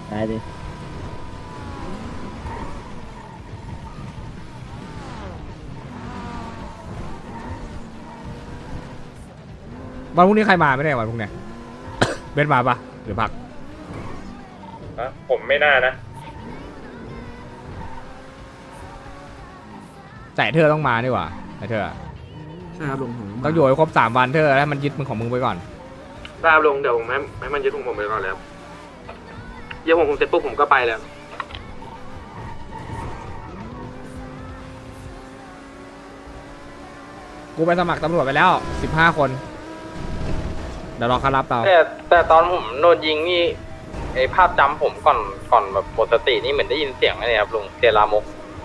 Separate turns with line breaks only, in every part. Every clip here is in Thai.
ได้ดิ
วันพรุ่งนี้ใครมาไม่ได้วันพรุ่งนี้ เบนมาปะหรือพัก
ผมไม่น่านะ
แต่เธอต้องมาดีกว่าไอ้เธอ
ใช่ครับลุงผม
ต้องอยู่ให้ครบ3 วันเธอแล้วมันยึดมึงของมึงไปก่อน
ทราบลุงเดี๋ยวผมให้มันยึดผมไปก่อนแล้วยึดผมเสร็จปุ๊บผมก็ไปแล้ว
กูไปสมัครตำรวจไปแล้ว15 คนเดี๋ยวรอเขารับเรา
แต่ตอนผมโดนยิงนี่ไอภาพจำผมก่อนแบบหมดสตินี่เหมือนได้ยินเสียงอะไรครับลุงเสียงลามก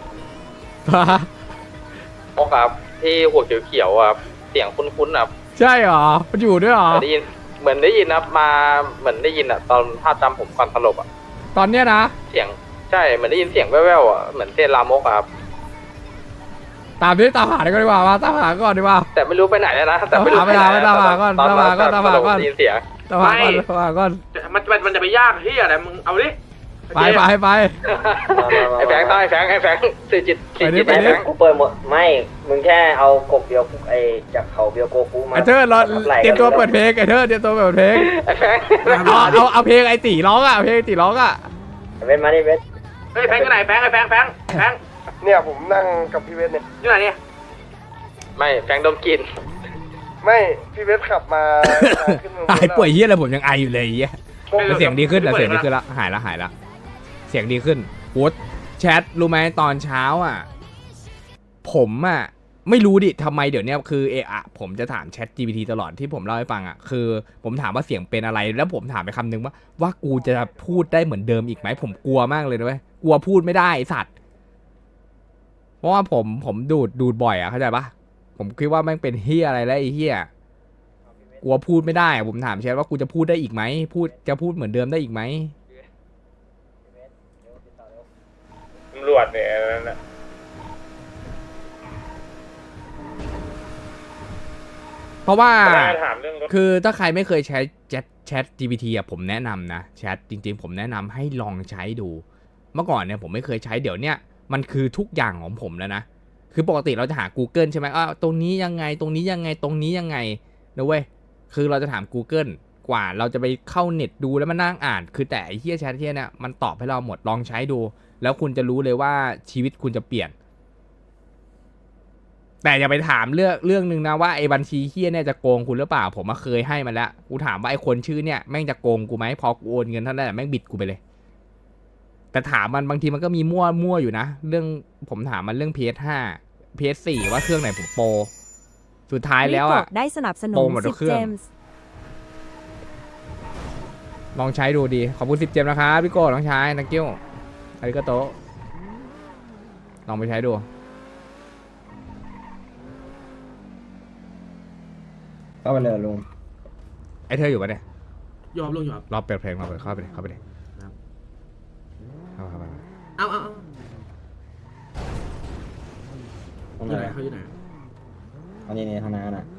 ครับที่หัวเขียวๆอะครับเสียงคุ้นๆครับ
ใช่เหรอมันอยู่ด้วยเหรอ
ได้ยินเหมือนได้ยินครับมาเหมือนได้ยินอะตอนภาพจำผมก่อนสลบอะ
ตอนเนี้ยนะ
เสียงใช่เหมือนได้ยินเสียงแว่วๆอะเหมือนเสียงลามกอะครับ
ตามที่ตามหาดีกว่ามาตามหาก่อนดีกว่า
แต่ไม่รู้ไปไหนแล้วนะแต่ไม่รู้
ไม่ตามหาก่อน
ตอน
ตามหาก่อน
ต
ตามหาก่อน
ได้ยินเสียง
ตามหาก่อนตามหาก่อน
มันจะไปยากที่อะไรมึงเอาดิ
ไป
ไอ้แฟงต้องไอ้แฟงสื่อจิต
ไปดิ
ไอ้แฟง
กูเปิดหมดไม่มึงแค่เอากบเบียวไอจากเขาเบียวโกกูมา
ไอ้เธอรอเตรียมตัวเปิดเพลงไอ้เธอเตรียมตัวเปิดเพลง
ไอ้แฟง
เอาเพลงไอ้ตีร้องอ่ะเพลงไอ้ตีร้องอ่ะ
เว้นมาดิเว้น
เฮ้ยแฟงก็ไหนแฟงไอ้แฟง
เนี่ยผมนั่งกับพี่เวสเนี่ย
อยู่ไหนเนี่ย
ไม่แฟงดมกลิน
ไม่พี่เวสขับมาขึ้นเมือง
หายป่วยเยี่ยอะไรผมยังไออยู่เลยเยี่ยเสียงดีขึ้นแล้วเสียงดีขึ้นละหายละเสียงดีขึ้นโอ๊ตแชทรู้ไหมตอนเช้าอ่ะผมอ่ะไม่รู้ดิทำไมเดี๋ยวนี้คือผมจะถามแชท GPT ตลอดที่ผมเล่าให้ฟังอ่ะคือผมถามว่าเสียงเป็นอะไรแล้วผมถามไปคำนึงว่ากูจะพูดได้เหมือนเดิมอีกไหมผมกลัวมากเลยนะเว้ยกลัวพูดไม่ได้ไอ้สัตว์เพราะว่าผมดูดบ่อยอ่ะเข้าใจปะผมคิดว่าแม่งเป็นเฮียอะไรแล้วไอ้เฮียกลัวพูดไม่ได้อะผมถามแชทว่ากูจะพูดได้อีกไหมจะพูดเหมือนเดิมได้อีกไหม
ตำรวจเนี่ยนั่นนะ
เพราะว่า
ถามเรื่องรถ
คือถ้าใครไม่เคยใช้แชท GPT อ่ะผมแนะนำนะแชทจริงๆผมแนะนำให้ลองใช้ดูเมื่อก่อนเนี่ยผมไม่เคยใช้เดี๋ยวเนี้ยมันคือทุกอย่างของผมแล้วนะคือปกติเราจะหา Google ใช่ไหมตรงนี้ยังไงตรงนี้ยังไงตรงนี้ยังไงนะเว้ยคือเราจะถาม Google กว่าเราจะไปเข้าเน็ตดูแล้วมานั่งอ่านคือแต่ไอ้เหี้ยแชทเหี้ยเนี่ยมันตอบให้เราหมดลองใช้ดูแล้วคุณจะรู้เลยว่าชีวิตคุณจะเปลี่ยนแต่อย่าไปถามเรื่องนึงนะว่าไอ้บัญชีเฮี้ยเนี่ยจะโกงคุณหรือเปล่าผมมาเคยให้มันแล้วกูถามว่าไอ้คนชื่อเนี่ยแม่งจะโกงกูไหมพอกูโอนเงินเท่านั้นแหละแม่งบิดกูไปเลยแต่ถามมันบางทีมันก็มีมั่วอยู่นะเรื่องผมถามมันเรื่อง PS5 PS4 ว่าเครื่องไหนผมโปรสุดท้ายแล้วอ่ะ
ได้สนับสนุ
โปร
น
หมดทุก
10
เครื่
เจ
อง
มส์
ลองใช้ดูดีขอบคุณ10 เจมนะครับพี่โก้ลองใช้นักกิ้วอาริกาโตลองไปใช้ดู
เข้าไปเลยลุง
ไอ้เธออยู่ปะเนี่ย
ยอมลุงยอม
รอเปิดเพลงมาเปิดเข้าไปเลยเข้าไปเลย
ครับ
เข้าไป
เอา
ตรง
อ
ไห
ยู่
น
ไหนเขาอยู่ไหน
อันนี้ทางนั้นน่ะ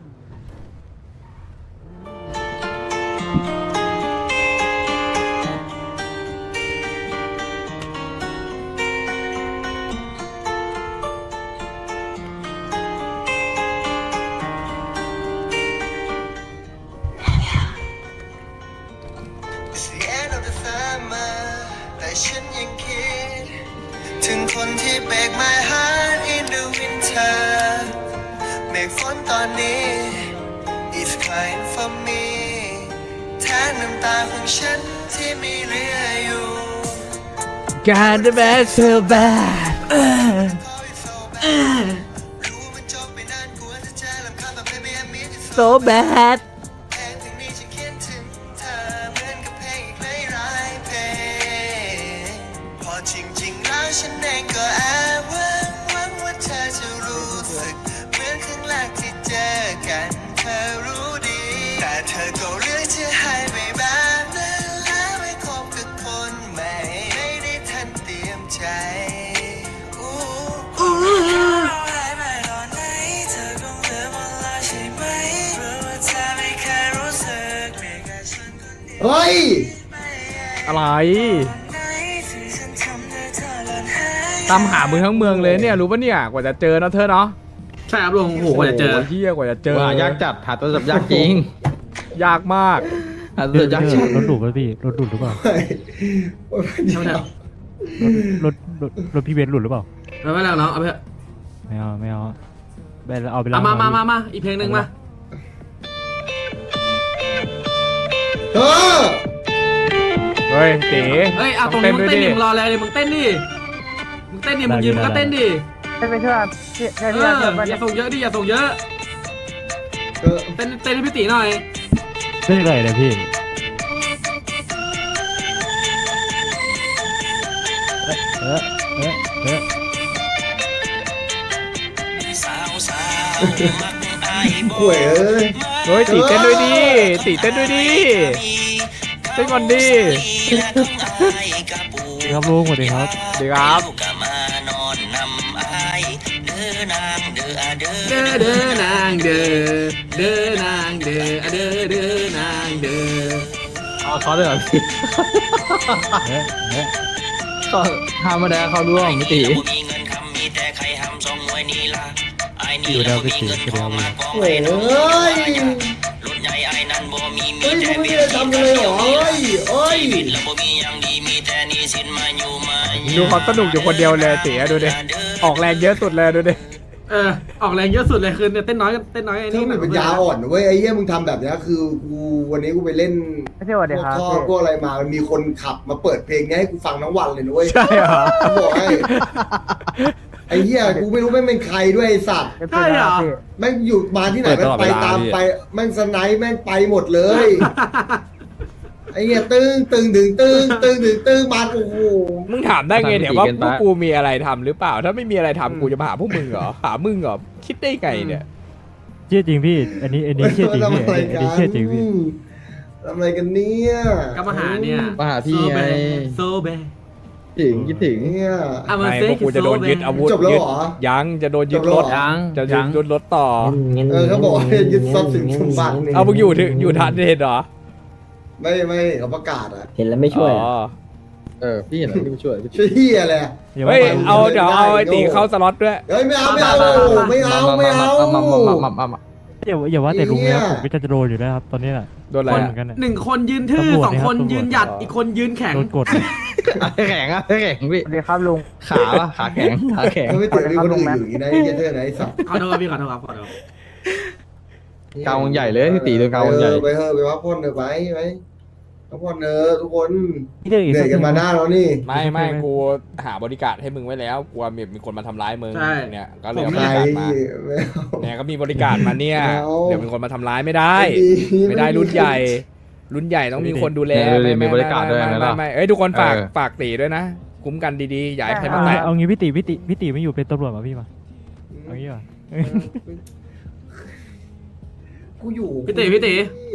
แต่ฉันยังคิดถึงคนที่ break my heart in the winter เมฆฝนตอนนี้ is crying for me แทนน้ำตาของฉันที่มีเหลืออยู่
God the best so bad
รู้มันจบไปนานกว่าจะเจอลำคาญแบบ baby I miss you
so bad
เพลงถึงนี้ฉันเขียนถึงเธอเหมือนกับเพลงอีกหลายเพลงพอจริงๆแล้วฉันเองก็แอบหวังว่าเธอจะรู้สึกเหมือนครั้งแรกที่เจอกันเธอรู้ดีแต่เธอก็เลือกจะให้ไปแบบนั้นแล้วไม่คบกับคนใหม่ไม่ได้ทันเตรียมใจเฮ้ย
อะไรตามหามึงทั้งเมืองเลยเนี่ยรู้ปะเนี่ยกว่าจะเจอนะเธอเนาะ
ใช่ครับลุงโอ้โหกว่าจะเจอ
โโหเฮียกว่าจะเจอ
ว่ายากจัดหาตัวจับยากจริง
ยากมาก
หาตัวจับยากจริง
รถดูดป่ะพี่รถดูดหรือเปล่า
เท่าไหร่
รถพี่เบนซ์หลุดหรือเปล่า
ไม่แล้วเนาะเอาไปเถอะ
ไม่เอาไปเอาไป
เอามาอีกเพลงหนึ่งมา
เออ
เฮ้ยตี
เฮ้ยเอาตรงนี้มึงเต้นดิมึงรออะไรเลยมึงเต้นดิมึงยืนมึงก็เต้นดิ
ไม่เชื่อพี่
อย่าส่งเยอะดิอย่าส่งเยอะ
เออ
เต้นให้พี่ตีหน่อย
เต้นอะไรเนี่ยพี่ เออ
ข่วยเอ้ย
เฮ้ยตีเต้นด้วยดิตีเต้นด้วยดิเต้นก่อนดิ
ครับลุงสวัสดีครับ
ดีครับ
เด้อนางเด้อนางเด้อเด้อนางเด้อ
เอาเขาเลยเหรอพี่ก็ห้ามมาได้เขาร่วมมิติ
อยู่แล้วพี่ตีก็เดียวเลย
ข่วยเอ้ยเฮ้ยมึงไม่ได้ทำเลยเหรอเอ้ย
ดูเขาสนุกอยู่คนเดียวเลยตีดูดิออกแรงเยอะสุดเลยดูดิ
ออกแรงเยอะสุดเลยคือเนี่ยเต้นน้อยไอ้
ช่า
นี่
งหนึ่งปัญญาอ่อนเว้ยไอ้เหี้ยมึงทำแบบเนี้ยคือกูวันนี้กูไปเล่น
ไม่ใช่ว่าเดี๋ยวครับ
พวกพวกอะไรมามันมีคนขับมาเปิดเพลงเนี้ยให้กูฟังทั้งวันเลยนะเว้ย
ใช่เหรอ
กูบอกให้ไอ้เหี้ยกูไม่รู้แม่งเป็นใครด้วยไอ้สัตว์
ใช่เหรอ
แม่งอยู่มาที่ไหนแม่งไปตามไปแม่งสไนป์แม่งไปหมดเลย ไอ้เหี้ยตึ้งมาโอ้โห
มึงถามได้ไงเนี่ยว่าพวกกูมีอะไรทำหรือเปล่าถ้าไม่มีอะไรทำกูจะมาหาพวกมึงเหรอหามึงเหรอคิดได้ไงเนี่ย
เชื่อจริงพี่ อันนี้เชื่อจริงพี่อันนี้เชื่อจริงพี่
ทำอะไรกันเนี่ย
ก็มาหาเนี่ย
มาหาพี่ไง
โซเบ
ถึงคิดถึง
เนี่ย
ไงพวกกูจะโดนยึดอาวุธ
จบแล้ว
ยึด
เหรอ
ยังจะโดนยึดรถ
ยัง
จะยึดรถต่อ
เขาบอกให้ยึดทรัพย์สินสมบัติ
เอามึงอยู่ทันเห็นเหรอ
ไม่เขาประกาศอะ
เห็นแล้วไม่ช่วย
อ๋อ
พี่เห็นแล้วพี่ช่วยพี่
ช่วยเหี้ยอะไรอะ
เฮ้ยเอาเดี๋ยวเอาไอ้ตีเข้าสล็อตด้วย
เฮ้ยไม่เอา
อย่า
ว่าแต่ลุงนะผมก็จะโดนอยู่แล้วครับตอนนี้แหละ
โดนอะไร
เหมื
อะ
อนกันเนี่ย
หนึ่งคนยืนทื่อ
ตำรวจ
สองคน
นะครับ
ยืนหยัดอีกคนยืนแข็ง
โดนกด
แข็งพี่
สวัสดีครับลุง
ขาแข็ง
ไม่ติดมีคนอื่นอยู่อย่างนี้นะไอ้เหี้ยเธอไหนไอ้สัตว์
ขอโทษพี่ขอโทษครับขอโทษ
กาวงใหญ่เลยพี่ตีโดนกาวงใหญ่
ไปเถอะไปพักผ่อนเถอะไปพักผ่อนเถอะทุกคน
พี่เดือ
เหนื่อยกันมาหน้าแล้วนี่
ไม่กูหาบริการให้มึงไว้แล้วกลัวมีคนมาทำร้ายมึงเนี่ยก็เลยเอาบ
ใคร
ริการมา
ไม่เอา
เนี่ยก็มีบริการมาเนี่ย
ไม่เอา
เดี๋ยวมีคนมาทำร้ายไม่ได้
ไม่ดี
ไม่ได้รุ่นใหญ่ รุ่นใหญ่ต้องมีคนดูแล
มีบริการด้วยนะ
ไม่เอ้ยทุกคนฝากตีด้วยนะคุ้มกันดีๆอย่าให้ใครมาแตะ
เอางี้พี่ตีไม่อยู่เป็นตำรวจมาพี่มาเอางี้ป่ะ
กูอยู่
พี่ตีพี่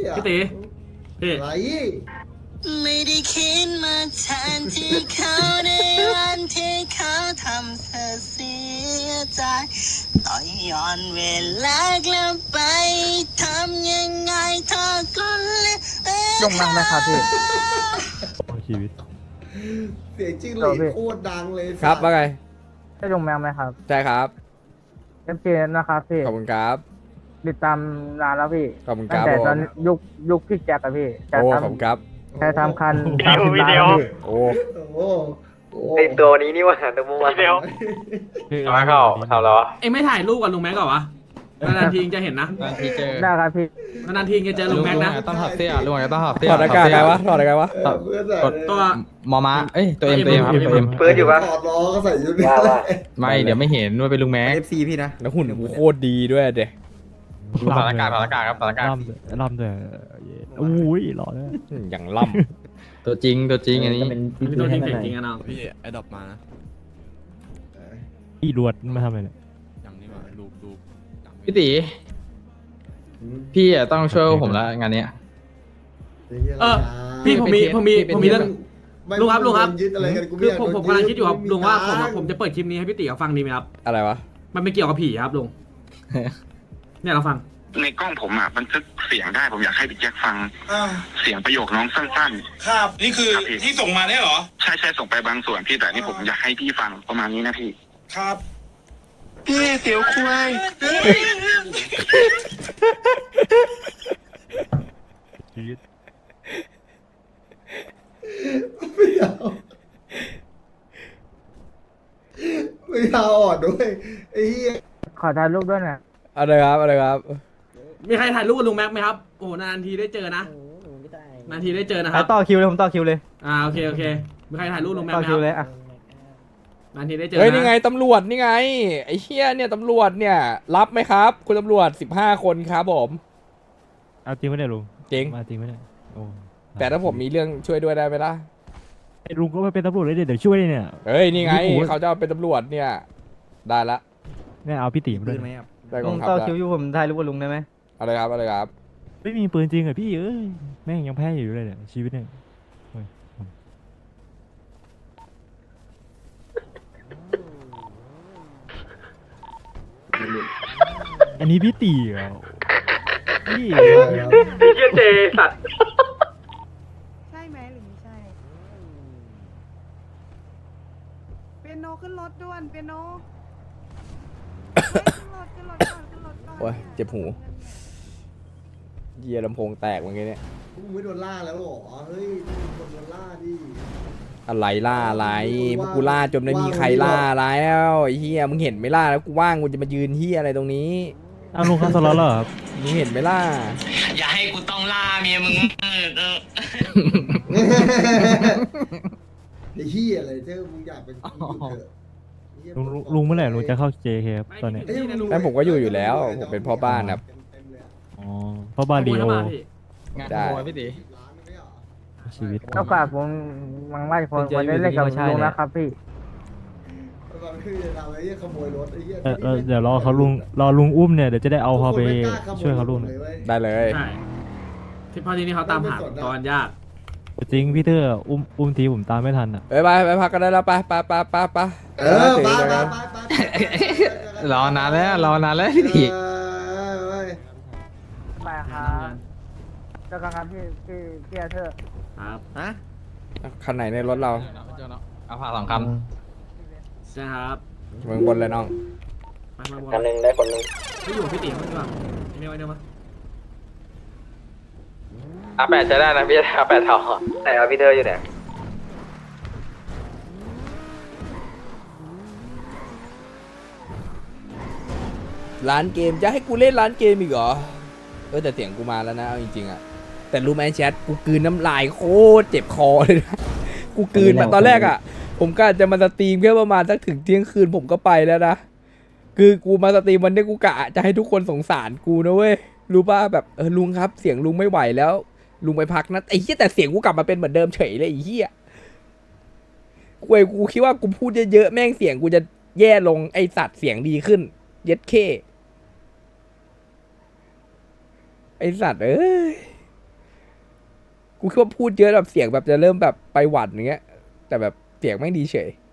อะไร
ไม่ได้คิดมาแทนที่เขาในวันที่เขาทำเธอเสียใจต่อย้อนเวลากลับไปทำยังไงเธอก็เลย
ลงนั่งไหมครับพี่
ชีวิต
เสียงจิ้งหรีดโคตรดังเลย
ครับว่าไง
ใช่ลงแมวไหมครับ
ใช่ครับ
เอฟเนะครับพี่
ขอบคุณครับ
ติดตามนานแล้วพี่
ขอบคุณค
ตั้
รั
ง
บ
แต่
ผม
ตอนยุคพี่แจ็คอะพี่แจ็ค
โอ้
ท
ขอบคุณครับ
ำแค่ทำคัน30 ล้านอะพี่
โอ้
โอ้โห
ไอตัวนี้นี่ว่าตัวเมื่อวาน
มาเข้าทำแล้ว
เอ็งไม่ถ่ายรูปกับลุงแม็กก่อนวะนานๆทีจะเห็นนะ
พี่เจอ
ได้ครับพี่
นานๆทีจะเจอลุงแม็กนะ
ต้องถอดเสื้อลุงต้องถอดเสื้อ
ถอดอากาศไงวะถอดอะไรวะ
เพื่อนใส่
ตัว
มอม้าเอ้ยตัวเอ็มครับตัวเอ็ม
เปิดอยู่ปะ
ถอดล้อก็ใส่ชุดนี้
ไม่เดี๋ยวไม่เห็นว่าเป็นลุงแม็ก
แล้วหุ่นกูโคตรดีด้วยเด็ก
ถอดอากาศครับถอดอากาศ
ล่ำด้วยอุ้ยหล่อเลย
อย่างล่
ตัวจริงอันนี้
พี่ตัวจริงเก่งจริงอะเนาะ
พี่ไอ้ดอกมานะ
อีรวดมาทำอะไรเนี่ย
อย่างนี้มาลูก
พี่ตีพี่ต้องช่วยผมแล้วงานนี้
พี่ผมมีเรื่อง ลุงครับ
ยึดอะไรกันกูไม่
คือ
อยาก
ผมกำลังคิดอยู่ครับลุงว่าผมจะเปิดคลิปนี้ให้พี่ติ๋วฟังดีไหมครับ
ำอะไรวะ
มันไม่เกี่ยวกับผีครับลุงเนี่ยเราฟัง
ในกล้องผมอ่ะบันทึกเสียงได้ผมอยากให้พี่แจ็คฟังเสียงประโยคน้องสั้นๆครับนี่คือที่ส่งมาเนี่ยเหรอใช่ส่งไปบางส่วนพี่แต่นี่ผมอยากให้พี่ฟังประมาณนี้นะพี่ครับพี่เสียวควาย
ไม่เอาไม่เอาอ่อนด้วยไอ้เหี้ย
ขอถ่ายรูปด้วยนะ
อะไรครับอะไรครับ
มีใครถ่ายรูปกับลุงแม็กไหมครับ โอ้นานทีได้เจอนะนานทีได้เจอนะค
ถ่า
รั
ย
บ
ต่อคิวเลยผมต่อคิวเลย
โอเคมีใครถ่ายรูปลุงแม็ก
ต่อ
ไหมค
คิ
รั
ว
บ
เลยอ่ะ
นานทีได้เจอ
เฮ้ย
นะ
นี่ไงตำรวจนี่ไงไอ้เฮียเนี่ยตำรวจเนี่ยรับไหมครับ คุณตำรวจ15 คนครับผม
เอาจริงไหมเนี่ยลุง
จริง
มาจริงไหมเนี่ยโอ้
แต่ถ้าผมมีเรื่องช่วยด้วยได้ไหมล่ะ
ไอ้ลุงก็ไปเป็นตำรวจเลยเดี๋ยวช่วยเนี่ย
เฮ้ยนี่ไง
โอ้โห
เขาจะเอาเป็นตำรวจเนี่ยได้ละ
เนี่ยเอาพี่ติ๋มด้วย
ได้กองทัพ
ต่อ
ละ
คิวอยู่ผมถ่ายรูปกับลุงได้ไหม
อะไรครับอะไรครับ
ไม่มีปืนจริงเหรอพี่เอ้ยแม่งยังแพ้อยู่เลยเนี่ยชีวิตเนี่ยโอ้ยอันนี้พี่ติ๋เหรอพี่
พี่เจเจสัตว์
ใช่ไหมหรือไม่ใช่ เปียโนขึ้นรถด่วนเปียโนขึ้นรถก่อนขึ้นรถก่อน
โอ้ยเจ็บหูเยียลำโพงแตกเมื่อกี้เนี่ย
มึงไม่โดนล่าแล้วเหรอเฮ้ยโดนล่าดิ
อะไรล่าอะไรพวกกูล่าจนไม่มีใครล่าแล้วไอ้เฮียมึงเห็นไหมล่าแล้วกูว่างกูจะมายืนเฮียอะไรตรงนี้
เอาลุงเข้าสล็อตแล้วเหรอครับ
มึงเห็นไหมล่า
อย่าให้กูต้องล่าเมียมึง
ไอ้เหี้ยอะไรเจ้ามึงอยากเป็นอยู่เถอะไอ้เหี้ย
ลุงเมื่อไหร่ลุงจะเข้า JK ครับตอนนี้
นั่นผมก็อยู่แล้วผมเป็นพ่อบ้านครับ
อ๋อเพราะบ้านดี
ข
โอ
โมยเข้ามาพี่
งาน
ได้
ขโมยพี่ตี
ชีวิตก็ฝากผมมังไล่คนวันนี้เล่นกับลุงนะครับพี่
ก่อนที่จะทำไอ้เหี้ยขโมยรถไอ้เหี้ย
เดี๋ยวรอเขาลุงอุ้มเนี่ยเดี๋ยวจะได้เอาเขาไปช่วยเขาลุง
ได้เลย
ใช่ที่พอทีนี้เขาตามหาตอนยาก
จริงพี่เตอร์อุ้มทีผมตามไม่ทันอ่ะ
เอ้ยไปพักกันได้แล้วไป
เออไป
รอนานแล้วพี่ตี
ไปครับเจ้าครับพี่เธอ
ครับ
ฮะ
คันไหนในรถเรา
เอาผ่า2 ค
ใช่ครับ
เมืองบนเลยน้อง
มาบน
คันหนึ่งได้คนหนึ่ง
ไม่อยู่กับพี่ติ๋มมั้งดีกว่าไอ้เนี่ยมา
8จะได้นะพี่8เท่า
ไหนเอาพี่เธออยู่ไหน
ร้านเกมจะให้กูเล่นร้านเกมอีกเหรอแต่เสียงกูมาแล้วนะเอาจริงๆอะแต่รู้ไหมแชทกูกลืนน้ำลายโคตรเจ็บคอเลยนะกูกลืนมาตอนแรกอะผมก็จะมาสตรีมแค่ประมาณสักถึงเที่ยงคืนผมก็ไปแล้วนะคือกูมาสตรีมวันนี้กูกะจะให้ทุกคนสงสารกูนะเว้ยรู้ป่ะแบบลุงครับเสียงลุงไม่ไหวแล้วลุงไปพักนะไอ้เหี้ยแต่เสียงกูกลับมาเป็นเหมือนเดิมเฉยเลยไอ้เหี้ยกูคิดว่ากูพูดเยอะๆแม่งเสียงกูจะแย่ลงไอสัตว์เสียงดีขึ้นเย็ดเคไอสัตว์เอ้ยกูคิดว่าพูดเยอะแบบเสียงแบบจะเริ่มแบบไปหวัดอย่างเงี้ยแต่แบบเสียงไม่งดีเฉย